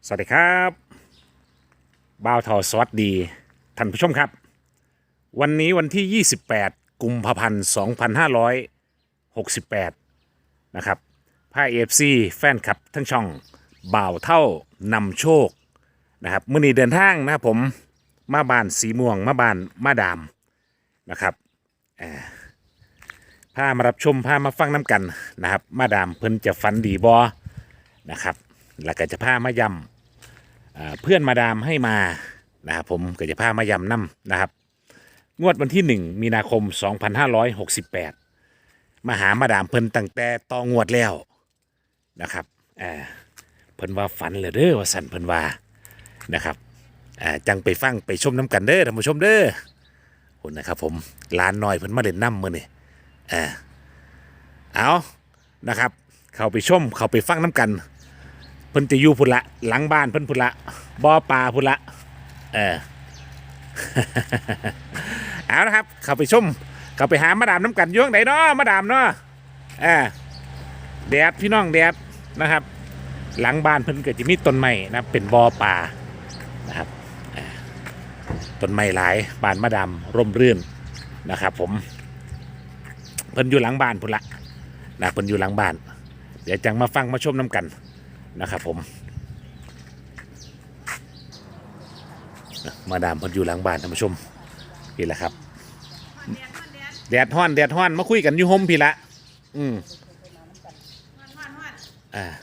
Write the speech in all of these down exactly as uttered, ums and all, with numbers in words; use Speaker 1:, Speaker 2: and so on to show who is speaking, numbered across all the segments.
Speaker 1: สวัสดีครับบ่าวทอสวัสดีท่านผู้ชมครับวันนี้วันที่ยี่สิบแปดกุมภาพันธ์สองพันห้าร้อยหกสิบแปดนะครับพาเอฟซีแฟนคลับทั้งช่องบ่าวเท่านำโชคนะครับมื่อนี้เดินทางนะครับผมมาบ้านสีม่วงมาบ้านมาดามนะครับพามารับชมพามาฟังน้ำกันนะครับมาดามเพิ่นจะฝันดีบอนะครับแล้วก็จะพามาย้ำเพื่อนมาดามให้มานะครับผมก็จะพามาย้ำน้ำนะครับงวดวันที่หนึ่งมีนาคมสองพันห้าร้อยหกสิบแปดมาหามาดามเพิ่นตั้งแต่ต่องวดแล้วนะครับอ่าเพิ่นว่าฝันเลยเด้อว่าสันเพิ่นว่านะครับอ่าจังไปฟังไปชมน้ำกันเด้อท่านผู้ชมเด้อคนนะครับผมลานน้อยเพิ่นมาเล่นน้ำมือนี่อ่าเอานะครับเข้าไปชมเข้าไปฟังน้ำกันเพิ่นจะอยู่พุ่นละหลังบ้านเพิ่นพุ่นละบ่อปลาพุ่นละเออ เอาละครับเข้าไปชมเข้าไปหามาดามน้ำกันย่วงไหนเนาะมาดามเนาะเออแดดพี่น้องแดดนะครับหลังบ้านเพิ่นก็จะมีต้นไม้นะเป็นบ่อปลานะครับต้นไม้หลายบ้านมาดามร่มรื่นนะครับผมเพิ่นอยู่หลังบ้านพุ่นละนะเพิ่นอยู่หลังบ้านเดี๋ยวจังมาฟังมาชมน้ำกันนะครับผมมาดามเพิ่นอยู่หลังบ้านท่านผู้ชมพี่ละครับแดดฮ้อนแดดฮ้อนมาคุยกันอยู่ห่มพี่ละอืมอ่า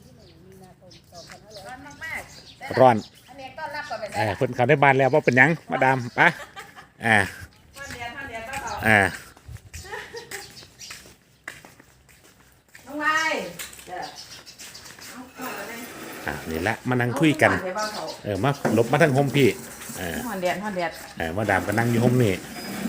Speaker 1: ร้อนเออเพิ่นเข้าในบ้านแล้วว่าเป็นยังมาดามปะอ่าอ่าอ่านี่ละมานั่งคุยกันเออมาหลบมาทางห่มพี่เออ
Speaker 2: หอนแดดหอนแดด
Speaker 1: เออมาดามก็นั่งอยู่ห่มนี่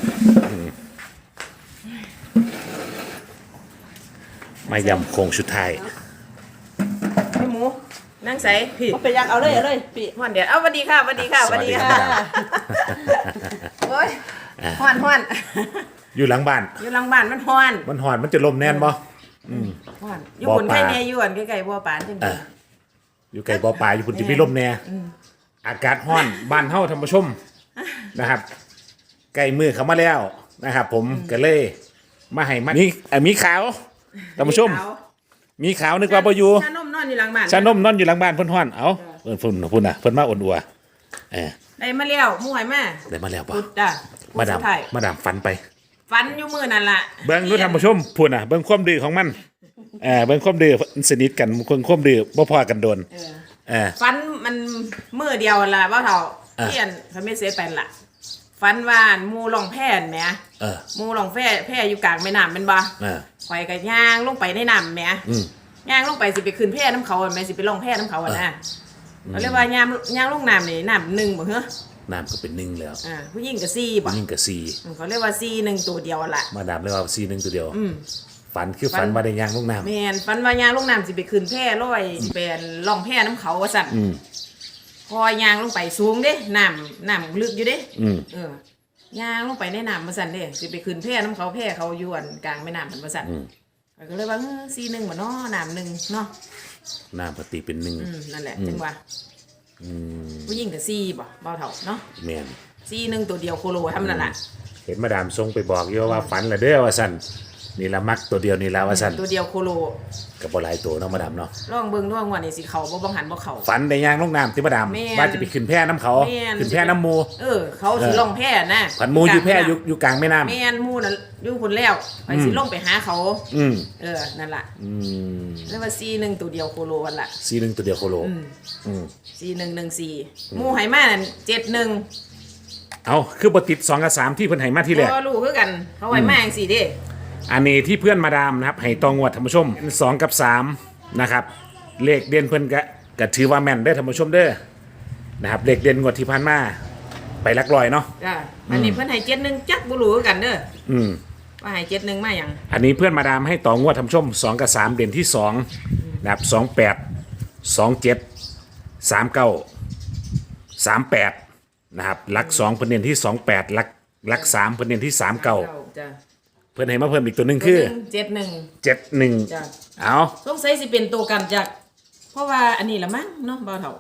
Speaker 1: มายำโคงชุดไทย
Speaker 2: พี่หมูนั่งใส่พี่
Speaker 3: เอาไปยังเอาเลยเอาเลยปี
Speaker 2: หอนแดดเอาสวัสดีค่ะสวัสดีค่ะสวัสดีค่ะ
Speaker 1: สวัสดีครับ
Speaker 2: โอ้ยหอนหอน
Speaker 1: อยู่หลังบ้าน
Speaker 2: อยู่หลังบ้านมันหอน
Speaker 1: มันหอนมันจะลมแน่นบ่
Speaker 2: หอนอยู่
Speaker 1: บ่อ
Speaker 2: บน
Speaker 1: ปลา
Speaker 2: ไข่แม่อยู่อันใกล้ๆบัวปานจัง
Speaker 1: เอออยู่ไกลบ่อปลาอยู่พุ่นจะมีลมแน่อากาศร้อนบ้านเฮาท่านผู้ชมนะครับใกล้มือเข้ามาแล้วนะครับ ผมก็เลยมาให้มันมีเอ่อมีขาวท่านผู้ชม มีขาวนึกว่าบ่อยู่
Speaker 2: ชานมนอนอยู่หลังบ้าน
Speaker 1: ชานมนอนอยู่หลังบ้านเพิ่นฮ้อนเอ้าเพิ่นเพิ่นพุ่นน่ะเพิ่นมาอ่อนอัวเออ
Speaker 2: ได้มาแล้วหมูให้มา
Speaker 1: ได้มาแล้วบ่
Speaker 2: พุดจ้ะ
Speaker 1: มาดาม
Speaker 2: พุสุท้ย
Speaker 1: มาดามฝันไป
Speaker 2: ฟันอยู่มือนั่นล่ะ
Speaker 1: เบิ่งดูท่านผู้ชมพุ่นน่ะเบิ่งความดื้อของมันเออเบิ่งความดื้อสนิทกันคนความดื้อบ่พอกันโดน
Speaker 2: เออ
Speaker 1: เออ
Speaker 2: ฟันมันมือเดียวล่ะว่าเท่า
Speaker 1: อ่ะ
Speaker 2: เพี้ยนพระเมสเสเป็นล่ะฟันวานหมูลองแผ่นแหม
Speaker 1: เออ
Speaker 2: หมูลองแผ่แผ่อยู่กลางแม่น้ำเป็นบ่
Speaker 1: เออ
Speaker 2: ข่อยก็ย่างลงไปในน้ำแหม
Speaker 1: อืม
Speaker 2: ย่างลงไปสิไปขึ้นแผ่น้ำเขาอะแม่สิไปลองแผ่น้ำเขาอะนะเขาเรียกว่าย่างย่างลงน้ำนี่น้ำหนึ่งบ่เหรอ
Speaker 1: น้ำก็เป็นหนึ่งแล้ว
Speaker 2: อ่าผู้หญิงก็สี่บ่
Speaker 1: ยิ่งกับซี
Speaker 2: อืมเขาเรียกว่าสี่หนึ่งตัวเดียวล่ะ
Speaker 1: มาดามเลยว่าซีหนึ่งตัวเดียว
Speaker 2: อืม
Speaker 1: ฝันคือ
Speaker 2: ฝั
Speaker 1: ฝัน
Speaker 2: น
Speaker 1: ว่าได้ย่างลูกน้ำ
Speaker 2: แม่นฟันว่าย่างลงน้ำสิไปขึ้นแผ่ร้อยสิเป็นลองแผ่น้ำเขาว่าสั่น
Speaker 1: อืม
Speaker 2: พอย่างลงไปสูงเด้น้ำน้ำลึกอยู่เด้
Speaker 1: อืม
Speaker 2: เออย่างลงไปในน้ำมาสั่นเด้สิไปขึ้นแผ่น้ำเขาแผ่เขาอยู่อันกลางแม่น้ำมันมาสั่น
Speaker 1: อืม
Speaker 2: ข้อยก็เลยว่าเออสี่หนึ่งบ่เนาะน้ำหนึ่งเนาะ
Speaker 1: น้ำปกติเป็นหนึ่ง
Speaker 2: อืมนั่นแหละ
Speaker 1: อืม
Speaker 2: จังว่า
Speaker 1: อืม
Speaker 2: ผู้หญิงก็สี่บ่เบาเท่าเนาะ
Speaker 1: แม่น
Speaker 2: สี่หนึ่งตัวเดียวโคโลทำนั่นแหละ
Speaker 1: เห็นมาดามทรงไปบอกอยู่ว่าฝันละเด้อว่าสั่นนี่ละมักตัวเดียวนี่ละว่าสั่น
Speaker 2: ตัวเดียวโคโล
Speaker 1: กับบ่หลายตัวเนาะมาดามเนาะ
Speaker 2: ลองเบิ่งด้วยว่านี่สิเขาบ่บังหันบ่เขา
Speaker 1: ฝันได้ย่างลูกน้ำที่มาดาม
Speaker 2: แม่น
Speaker 1: ว่าจะไปขึ้นแพน้ำเขา
Speaker 2: แม่น
Speaker 1: ขึ้นแพน้ำหมู
Speaker 2: เออ เขาสิลงแพนะ
Speaker 1: ขันหมูอยู่แพอยู่อยู่กลางแม่น้ำ
Speaker 2: แม่นหมูน่ะอยู่พุ่นแล้วไปสิลงไปหาเขา
Speaker 1: อืม
Speaker 2: เออนั่นล่ะ
Speaker 1: อืม
Speaker 2: เรียกว่าสี่หนึ่งตัวเดียวโคโลวันล่ะ
Speaker 1: ซีหนึ่งตัวเดียวโคโล
Speaker 2: อืม
Speaker 1: อืม
Speaker 2: สี่หนึ่งหนึ่งสี่หมูไหมานั่นเจ็ดหนึ่ง
Speaker 1: เอาคือบติดสองกับสามที่เพิ่นให้มาที่แรก
Speaker 2: ก็รู้คือกัน เขาไหมาจังสี่เด้
Speaker 1: อันนี้ที่เพื่อนมาดามนะครับให้ตองวดท่านผู้ชมสองกับสามนะครับเลขเด่นเพื่อนก็ก็ถือว่าแม่นได้อท่านผู้ชมเด้อนะครับเลขเด่นงวดที่ผ่านมาไปหลักลอยเนาะ
Speaker 2: จ้ะอันนี้เพิ่นให้เจ็ดหนึ่งจักบ่รู้คือกันเด้อ
Speaker 1: อืม
Speaker 2: ว่าให้เจ็ดหนึ่งมาหยัง
Speaker 1: อันนี้เพื่อนมาดามให้ต่องวดท่านผู้ชมสองกับสามเด่นที่สองนะครับสองแปดสองเจ็ดสามเก้าสามแปดนะครับหลักสองเพิ่นเด่นที่สองแปดหลักหลักสามเพิ่นเด่นที่สามเก้า
Speaker 2: จ้ะ
Speaker 1: เพื่อนให้มาเพิ่มอีกตัวหนึ่งคือ
Speaker 2: เจ็ดหนึ่ง
Speaker 1: เจ็ดหนึ่ง
Speaker 2: จ้ะ
Speaker 1: เอา
Speaker 2: สงสัยสิเป็นตัวกันจากเพราะว่าอันนี้ละมั้งเนาะบ่าวเฒ่า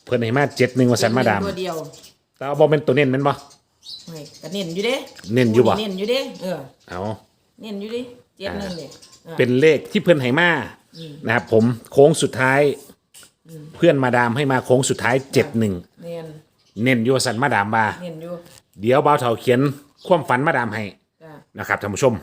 Speaker 1: เพิ่นให้มาเจ็ดหนึ่งว่าสันมาดาม
Speaker 2: ตัวเดียว
Speaker 1: แต่เอาบ่เป็นตัวเน้นแมันบ่
Speaker 2: เฮ้ยก็เน้นอยู่เด้
Speaker 1: เน้นอยู่บ่
Speaker 2: เน้นอยู่เด้เออ
Speaker 1: เอา
Speaker 2: เน้นอยู่ดิเจ็ดหนึ่งเนี่ยออ
Speaker 1: เป็นเลขที่เพิ่นให้มานะครับผมโค้งสุดท้าย เพื่อนมาดามให้มาโค้งสุดท้ายเจ็ดหนึ่ง
Speaker 2: เน้น
Speaker 1: เน้นอยู่ว่าสันมาดามบ่า
Speaker 2: เน้นอยู่
Speaker 1: เดี๋ยวบ่าวเฒ่าเขียนความฝันมาดามให้
Speaker 2: จ้ะ
Speaker 1: นะครับท่านผู้ชม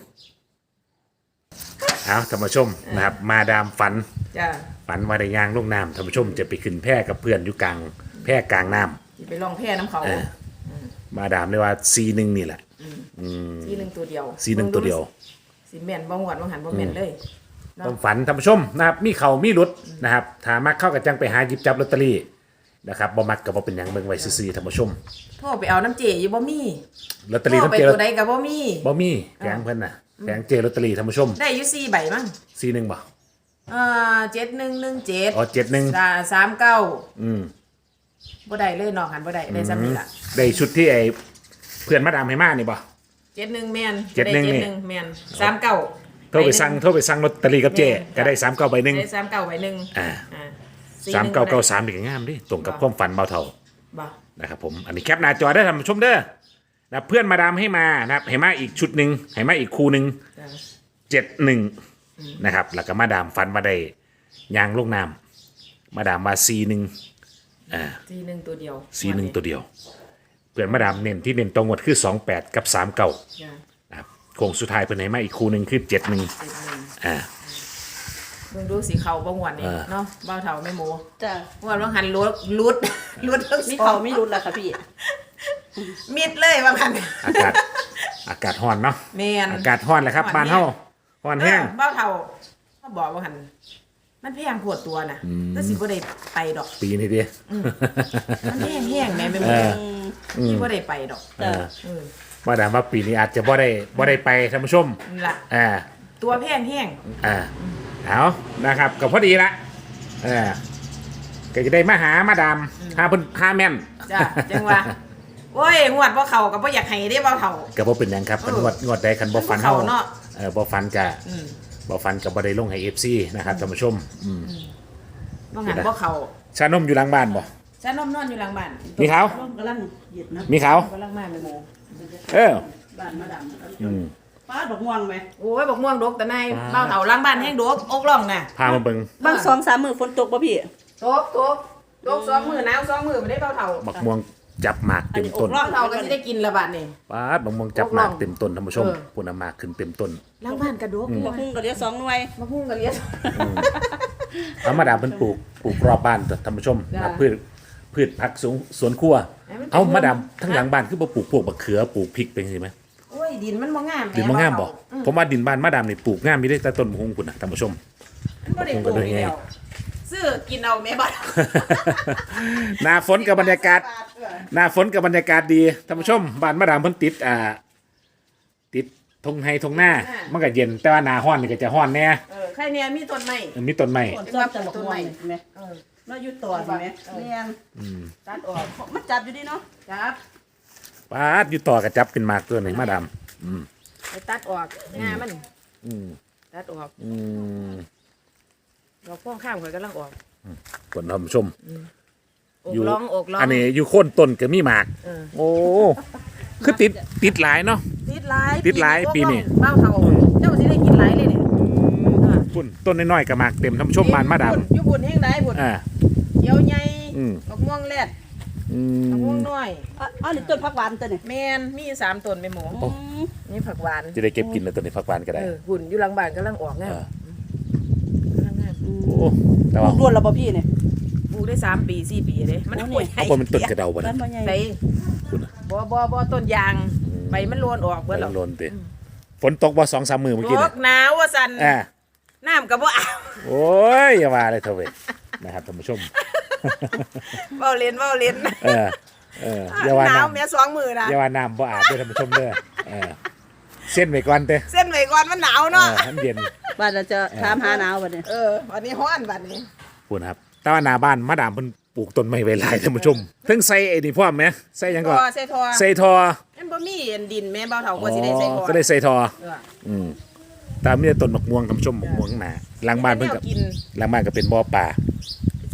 Speaker 1: เอาท่านผู้ชมนะครับมาดามฝัน
Speaker 2: จ้ะ
Speaker 1: ฝันว่าได้ย่างลงน้ำท่านผู้ชมจะไปขึ้นแพกับเพื่อนอยู่กลางแพกลางน้
Speaker 2: สิไปลองแพ้น้ำเขา
Speaker 1: ำเออมาดามเลยว่าซีหนึ่งนี่แหละ
Speaker 2: สีหนึ่งตัวเดียว
Speaker 1: ซีหนึ่งตัวเดียว
Speaker 2: สีแม่นบ่หวดบ่หันบ่แม่นเลยเนาะ
Speaker 1: ต้องฝันท่านผู้ชมนะครับมีเขามีหลุดนะครับถ้ามักเข้ากับจังไปหาหยิบจับลอตเตอรี่นะครับบ่มักก็บ่เป็นหยังเบิ่งไว้ซื่อๆท่านผู้ชม
Speaker 2: โทรไปเอาน้ำเจอยู่บ่มี
Speaker 1: ลอตเตอรี่
Speaker 2: โทร
Speaker 1: น้ำ
Speaker 2: ไป
Speaker 1: เจ
Speaker 2: ตัวใดก็บ่มี
Speaker 1: บ่มีแกงเพิ่นน่ะแกงเจลอตเตอรี่ท่านผู้ชม
Speaker 2: ได้อยู่สี่ใบมั้ง
Speaker 1: ซีหนึ่งบ่
Speaker 2: เอ่อเจ็ดหนึ่งหนึ่งเจ็ด
Speaker 1: อ๋อเจ็ดหนึ่ง
Speaker 2: สามเก้า
Speaker 1: อืม
Speaker 2: บ่ได้เลยนอกหันบ่ได้ได้ซ้ำนี่ล่ะ
Speaker 1: ได้ชุดที่ไอ้เพื่อนมาดามให้มานี่บ่
Speaker 2: เจ็ดหนึ่งแม่น
Speaker 1: เจ็ดหนึ่ง
Speaker 2: ได้
Speaker 1: นี่
Speaker 2: เจ็ดหนึ่งแม่นสามเก้า
Speaker 1: โทรไปสั่งโทรไปสั่งลอตเตอรี่กับเจก็ได้สามเก้าใบหนึ่ง
Speaker 2: ได้สามเก้าใบหนึ่ง
Speaker 1: อ่า
Speaker 2: อ่า
Speaker 1: สามเก้าเก้าสามนี่ก็งามดิตรงกับความฝันเบาเท่า
Speaker 2: บ่
Speaker 1: นะครับผมอันนี้แคปหน้าจอได้ท่านผู้ชมเด้อนะเพื่อนมาดามให้มานะครับให้มาอีกชุดหนึ่งให้มาอีกคู่หนึ่ง
Speaker 2: จ้ะ
Speaker 1: เจ็ดหนึ่งนะครับแล้วก็มาดามฟันมาได้ยางลูกน้ำมาดามมาซีหนึ่งอ่า
Speaker 2: สี่หนึ่งตัวเดียว
Speaker 1: ซีหนึ่งตัวเดียว เพื่อนมาดามเน้นที่เน้นตรงหมดคือสองแปดกับสามเก้า
Speaker 2: จ้ะ
Speaker 1: นะครับโค้งสุดท้ายเพื่อนให้มาอีกคู่หนึ่งคือเจ็ดหนึ่ง
Speaker 2: เจ็ดหนึ่ง
Speaker 1: อ่า
Speaker 2: มึงดูสีเขาบ่หวนนี่
Speaker 1: เออ
Speaker 2: เนาะเบ้าเท่าไม่โม
Speaker 3: จ้ะ
Speaker 2: หวนว่าหันรุดรุดรุดทั้งสอง
Speaker 3: มีเขาไม่รุดแล้วค่ะพี่
Speaker 2: มิดเลยว่าหัน
Speaker 1: อากาศอากาศร้อนเนาะ
Speaker 2: แม่น
Speaker 1: อากาศร้อนแหละครับบ้านเฮาร้อนแห้ง
Speaker 2: เออเบ้าเท่าเขาบอกว่าหันมันแพงปวดตัวน่ะก็สิบ่ได้ไปดอก
Speaker 1: ปีนี้ดิ
Speaker 2: มันแห้งแห้งๆแม่ไม่หม
Speaker 1: เอ
Speaker 2: ด
Speaker 1: อ
Speaker 2: ที่บ่ได้ไปดอก
Speaker 1: เออ
Speaker 2: เออ
Speaker 1: มาดามว่าปีนี้อาจจะบ่ได้บ่ได้ไปท่านผู้ชม
Speaker 2: นี่ล่ะ
Speaker 1: อ่า
Speaker 2: ตัวแพงแห้ง
Speaker 1: อ่าเอานะครับก็พอดีละเออก็จะได้มาหามาดามหาเพิ่นหาแม่น
Speaker 2: จ้ะจังว่าโอ้ยงวดบ่เข้าก็บ่อยากให้เด้เบ้าเท่า
Speaker 1: ก็บ่เป็นหยังครับ
Speaker 2: เออ
Speaker 1: งวดงวดใดคันบ่ฟันเฮา
Speaker 2: เข้าเนาะ
Speaker 1: เออบ่ฟันก็
Speaker 2: อืม
Speaker 1: บ่ฟันก็บ่ได้ลงให้ เอฟ ซี นะครับท่านผู้ชมอืม
Speaker 2: บ่หันบ่เข้า
Speaker 1: ชานมอยู่หลังบ้านบ่
Speaker 2: ฉันนอนนอนอยู่หลังบ้าน
Speaker 1: มีเขา
Speaker 3: ร่มกำลังเหยียดนะ
Speaker 1: มีเขา
Speaker 2: กำลังมาแม่โม
Speaker 1: เออ
Speaker 3: บ้านมาดำ
Speaker 1: อืม
Speaker 3: ป้าดอกม่วงไหม
Speaker 2: โอ้ยบอกม่วงดกแต่นายเบ้าเถาล้างบ้านแห้งดกอกล่องน่ะ
Speaker 1: พามาเบิ่ง
Speaker 3: บางสองสามมือฝนตกป่ะพี่
Speaker 2: ดกดกดกสองมือหนาวสองมือไม่ได้เบ้าเถา
Speaker 1: บักม่วงจับหมากเต็มต้น
Speaker 2: เบ้าเถาก็สิได้กินละบาทนี่
Speaker 1: ปาดบักม่วงจับหมาก
Speaker 2: อกล่อง
Speaker 1: เต็มต้นท่านผู้ชม
Speaker 2: เออ
Speaker 1: พุ่นเอาหมากขึ้นเต็มต้น
Speaker 2: ล้างบ้านกระดก
Speaker 3: มาพุ่งก็เดียวสองหน่วย
Speaker 2: มาพุ่งกันเลี้ยง
Speaker 1: เอามาดามเพิ่นปลูกปลูกรอบบ้านท่านผู้ชม
Speaker 2: จ้ะ
Speaker 1: นะพืชพืชผักสวนสวนครัว
Speaker 2: ให้มันเป็น
Speaker 1: เอามาดาม
Speaker 2: ร่ม
Speaker 1: ทั้งหลังบ้านคือบ่ปลูกพวกบักเขือปลูกพริกเป็นจังซี่ไหม
Speaker 2: โอ้ยดินมันบ่งาม
Speaker 1: ดินบ่งามบ่
Speaker 2: เถอืม
Speaker 1: ผมว่าดินบ้านมาดามนี่ปลูกงามมีได้แต่ต้นมะฮุงพุ่นน่ะท่านผู้ชม
Speaker 2: มันบ่ได้ปลูกอยู่แล้วซื้อกินเอาแม่บ้าน
Speaker 1: หน้าฝนกับบรรยากาศ หน้าฝนกับบรรยากาศดีท่านผู้ชมบ้านมาดามเพิ่นติดอ่าติดทงไฮทงหน้ามันก็เย็นแต่ว่าหน้าร้อนนี่ก็จะร้อนแน่
Speaker 2: เออใครเนี่ยมีต้นไม้
Speaker 1: มีต้นไม้
Speaker 3: ฝนซ้อมจะบอกม่วงเห็นไหม
Speaker 2: เออ
Speaker 3: เราอยู่ต่อเห็นไหมเรียน
Speaker 2: ตัดออก
Speaker 3: มันจับอยู่ดิเนาะ
Speaker 2: จับ
Speaker 1: ปาดอยู่ต่อกับจับเป็นหมากตัวหนึงมาดามอืม
Speaker 2: ไปตัดออกงามัน
Speaker 1: อืม
Speaker 2: ตัดออก
Speaker 1: อืม
Speaker 2: ดอกพ่วงข้างข่อยกำลังออก
Speaker 1: คนท่านผู้ชม
Speaker 2: อกร้องอกร้อง
Speaker 1: อันนี้อยู่โค่นต้นก็มีหมาก
Speaker 2: เออ
Speaker 1: โอ้คือติดติดหลายเนาะ
Speaker 2: ติดหลาย
Speaker 1: ติดหลายปีนี้
Speaker 2: เบ้าเท่าเจ้าสิได้กินหลายเลยเนี่ยอ่า
Speaker 1: พุ่นต้นน้อยๆกับหมากเต็มท่านผู้ชมบ้านมาดาม
Speaker 2: อยู่บุญแห้งได้บุญ
Speaker 1: อ่า
Speaker 2: เขียวใหญ่
Speaker 1: อืม
Speaker 2: ดอกม่วงแรด
Speaker 1: อื
Speaker 2: ดอกม่ว
Speaker 1: ม
Speaker 2: งน้อย
Speaker 3: อ๋ออ๋อนี่ต้นพักหวานตัวนี่
Speaker 2: แมนมีอยู่สามต้นแม่หมู
Speaker 1: โอ้
Speaker 2: นี่ผักหวาน
Speaker 1: จะได้เก็บกินแล้วตัวนี้ผักหวานก็ได้
Speaker 2: เออหุ่นอยู่หลังบ้านกำลังออกงาม
Speaker 1: เออ
Speaker 2: กำลังงาม
Speaker 1: โอ้แต่
Speaker 3: ป
Speaker 1: ว่า
Speaker 3: ลูกด้วนแล้วป่ะพี่เนี่ย
Speaker 2: ปลูกได้สามปีสี่ปีเลยมัน
Speaker 3: โอ้นี่
Speaker 2: ป่วย
Speaker 1: เอาบ่มันต้นกระเดาบ่
Speaker 3: บ้า
Speaker 1: นะ
Speaker 3: นบ่ใหญ่
Speaker 2: ใส่
Speaker 1: คุณน่ะ
Speaker 2: บ่บ่บ่ต้นยางใบมันโลนออกเบิด
Speaker 1: บ่
Speaker 2: แล้ว
Speaker 1: โลนติฝนตกบ่สองสามมื้อเมื่อกี้
Speaker 2: ต
Speaker 1: น่ะ
Speaker 2: กหนาวว่าสั่น
Speaker 1: อ่า
Speaker 2: น้ำกับบ่อาบ
Speaker 1: โอ้ยอย่าว่าเลยเถอะเว้ยนะครับท่านผู้ชม
Speaker 2: เว้าเล่นเว้าเล่น
Speaker 1: เออเอออย่าว่า
Speaker 2: หนาว
Speaker 1: น้ำ
Speaker 2: แม่สองมือนะ
Speaker 1: อย่าว่าน้ำบ่อาบเด้อท่านผู้ชมเด้อเออเส้นไว้ก่อนเด้อ
Speaker 2: เส้นไว้ก่อนมันหนาว
Speaker 1: เอ
Speaker 2: เนาะ
Speaker 1: อให้มันเย็น
Speaker 3: บ้านเราจะถามหาหนาวบัดนี้
Speaker 2: เออวันนี้ฮ้อนบัดนี้
Speaker 1: พูดนะครับแต่ว่าหน้าบ้านมาดามเพิ่นปลูกต้นไม้ไว้หลายท่านผู้ชมเพิ่งใส่ไอ้นี่พร้อมไหมใส่หยัง
Speaker 2: ท
Speaker 1: ก็
Speaker 2: อใส่ทอ
Speaker 1: ใส่ทอ
Speaker 2: มันบ่มีอันดินแม่เบาเฒ่ากว่าสิได้ใส่ทอ
Speaker 1: ก็ได้ใส่ทอ
Speaker 2: เออ
Speaker 1: อืมตามมีแต่ต้นมะม่วงท่านผู้ชมมะม่วงหนาหลังบ้านเพิ่น
Speaker 2: แว
Speaker 1: กับ
Speaker 2: กิน
Speaker 1: หลังบ้านก็เป็นบ่อป่า
Speaker 2: สิ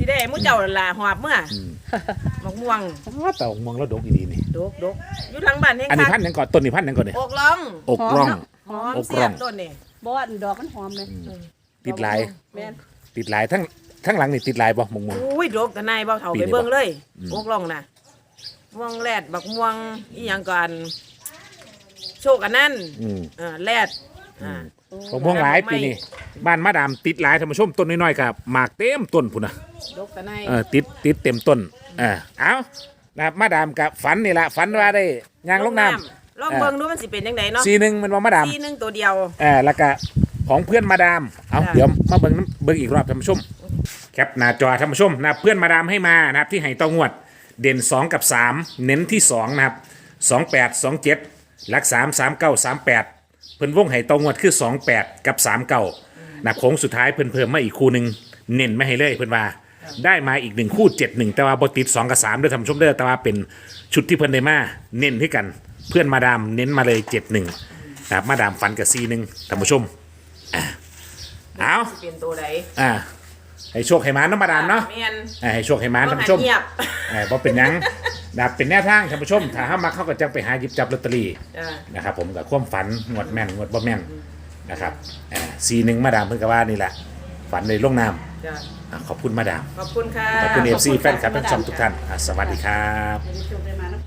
Speaker 2: สิได้มื้อเจ้าล่ะหอบเมื่อ
Speaker 1: อืม
Speaker 2: มะม่วง
Speaker 1: อ้าวแต่มองแล้วดกอีดีนี่
Speaker 2: ดกดกอยู่หลังบ้านเฮง
Speaker 1: อันนี้
Speaker 2: คั
Speaker 1: พั
Speaker 2: ก
Speaker 1: นธุ์หยังก่อนต้นนี้พันธุ์หยังก่อนเนี่ย
Speaker 2: อกล่อง
Speaker 1: อกร่อง
Speaker 2: หอม
Speaker 1: อก
Speaker 2: เสี
Speaker 1: ร่
Speaker 2: ย
Speaker 1: อง
Speaker 2: บต้นนี่
Speaker 3: บ่ว่าดอกมันหอมเลย
Speaker 1: ติดหลาย
Speaker 3: แม่น
Speaker 1: ติดหลายทั้งทั้งหลังนี่ติดหลายบ่มงมง
Speaker 2: อุ้ยดกแต่นายเบาเฒ่า
Speaker 1: ปี
Speaker 2: ไป
Speaker 1: นี้
Speaker 2: เบิ่งเลย
Speaker 1: อืม
Speaker 2: อกล่องน่ะม่วงแรดบักม่วงอีหยังก่อนโชคอันนั้น
Speaker 1: อืม
Speaker 2: เออแรดอ่า
Speaker 1: มงม่วงหลายปีนี้บ้านมาดามติดหลายท่านผู้ชมต้นน้อยๆกับหมากเต็มต้นพุ่นน่ะ
Speaker 2: ดกแต่นาย
Speaker 1: เออติดติดเต็มต้นเออเอานะครับมาดามกับฝันนี่แหละฝันว่าได้ยางลงน้
Speaker 2: ลองเบิ่งดูมันสิเป็นจังไดเนาะ
Speaker 1: ำสีหนึ่งมันว่ามาดาม
Speaker 2: ทีหนึงตัวเดียว
Speaker 1: เออแล้วก็ของเพื่อนมาดามเอา
Speaker 2: จ้ะ
Speaker 1: เดี๋ยวมาเบิ่งน้ำเบิ่งอีกรอบท่านผู้ชมแคปหน้าจอท่านผู้ชมนะครับเพื่อนมาดามให้มานะครับที่ให้ตองวดเด่นสองกับสามเน้นที่สองนะครับสองแปดสองเจ็ดหลักสามสามเก้าสามแปดเพิ่นวงให้ตองวดคือสองแปดกับสามเก้านะครับโค้งสุดท้ายเพิ่นเพิ่มมาอีกคู่หนึ่งเน้นไม่ให้เลยเพิ่นว่าได้มาอีกหนึ่งคู่เจ็ดหนึ่งแต่ว่าบติดสองกับสามด้วยท่านผู้ชมเด้อแต่ว่าเป็นชุดที่เพิ่นได้มาเน้นให้กันเพื่อนมาดามเน้นมาเลยเจ็ดหนึ่งนะครับมาดามฟันกับซีหนึ่งท่านผู้ชมอ่ะเอา
Speaker 2: สิเป็นตัวใด
Speaker 1: อ่าให้โชคให้หมานน้ำมาดามเนาะ
Speaker 2: แม่น
Speaker 1: อ่าให้โชคให้หมานท่านผู้ชม
Speaker 2: เงียบ
Speaker 1: อ่าบ่เป็นหยังนะครับเป็นแนวทางท่านผู้ชมถ้าห้ามาเข้าก็จังไปหาหยิบจับลอตเตอรี่
Speaker 2: จ้ะ
Speaker 1: นะครับผมกับความฝันงวดแม่นงวดบ่แม่นนะครับอ่าซีหนึ่งมาดามเพิ่นก็ว่านี่แหละฝันในลงน้
Speaker 2: จ้ะ
Speaker 1: ำอ่าขอบคุณมาดาม
Speaker 2: ขอบคุณค่ะ
Speaker 1: ขอบคุณเอฟซี
Speaker 3: ขอบคุณ
Speaker 1: แฟนคลับ
Speaker 3: ค่ะ
Speaker 1: ทั้งช่องทุกท่านอ่าสวัสดีครับ
Speaker 3: ให้ได้โชคได้มานะ